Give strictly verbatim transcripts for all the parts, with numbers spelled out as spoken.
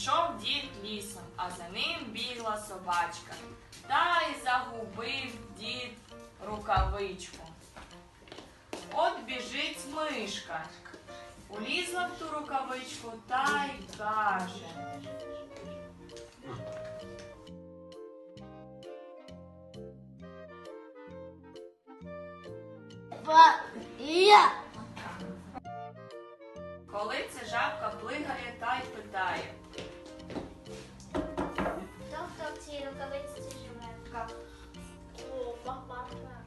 Ішов дід лісом, а за ним бігла собачка. Та й загубив дід рукавичку. От біжить мишка, улізла в ту рукавичку та й каже: Я. Коли це жабка плигає та й питає: Хто хто в цій рукавиці живе? Собака.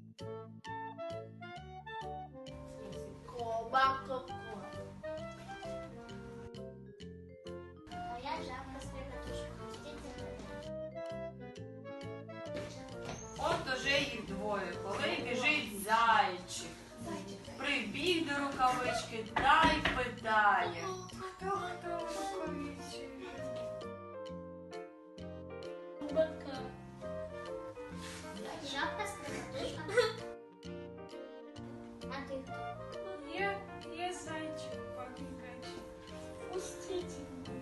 Собака. А я жабка з рикатушкою. Стійте мене. от уже їх двоє, коли біжить зайчик. Прибіг до рукавички та й питає: Хто хто в рукавиці живе? Собака. Жабка з рикатушкою. А ти хто? Я, я зайчик побегачий. Пустите меня.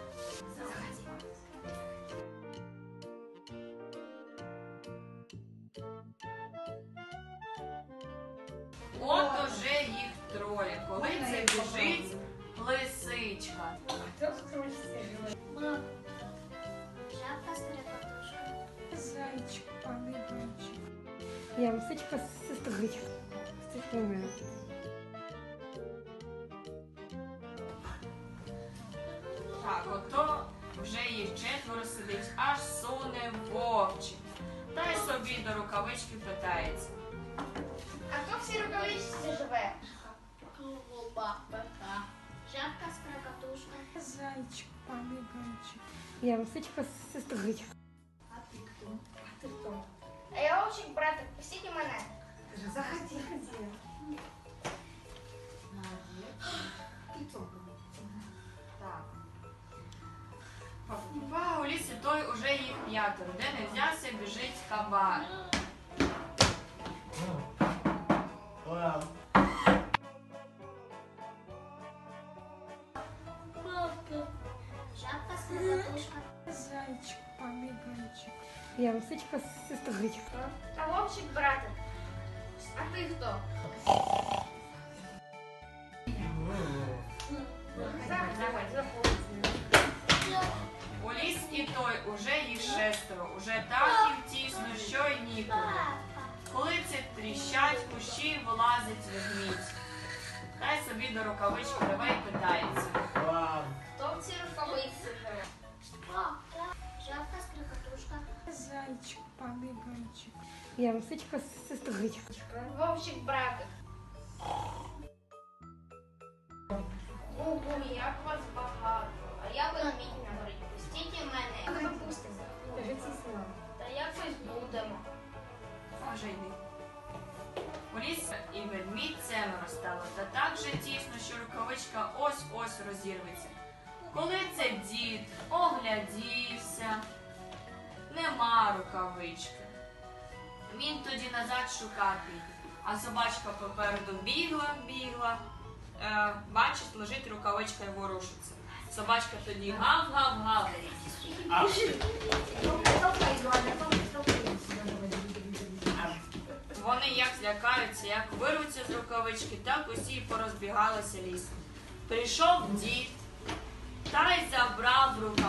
От уже їх троє, коли це біжить лисичка. Кто в кровати живет? Жабка з рикатушкою. Зайчик побегачий. Я лисичка з сестричкою. З сестрою. Так, ото вже їх четверо сидить, аж суне вовчик. Та й собі до рукавички питається: А хто в цій рукавичці живе? Собака. Жабка з крокатушкою. Зайчик побегачий. Я лисичка з сестричкою. А ти хто? А ти хто? А я вовчик, братик, пустіть мене. Заходи, ходи. так. Па, у лісі той уже їх п'ятеро, де не взявся, біжить кабан. Жабка з крокатушкою. Зайчик побегачий. Я лисичка з сестричкою. А вовчик, братик. А ти хто? Заходь, заходь. У ліс і той уже їх шестеро, уже так їм тісно, що й ніколи. Коли це тріщать, в кущі вилазить ведмідь. Та й собі до рукавички реве й питається: Хто в цій рукавиці живе? Жабка з крокатушкою. Зайчик побегачий. Я лисичка з сестричкою. Вовчик, братик. Ого, як вас багато. А я ведмідь на горі. Пустіть мене. Ми пустимо. Та якось будемо. Може йди. У ліс і ведмідь семеро стало, та так же тісно, що рукавичка ось-ось розірветься. Коли це дід оглядівся, нема рукавички. Він тоді назад шукати, а собачка попереду бігла, бігла. Е, бачить, лежить рукавичка і ворушиться. Собачка тоді гав-гав-гав. Вони як злякаються, як вирвуться з рукавички, так усі порозбігалися лісом. Прийшов дід та й забрав рукавичку.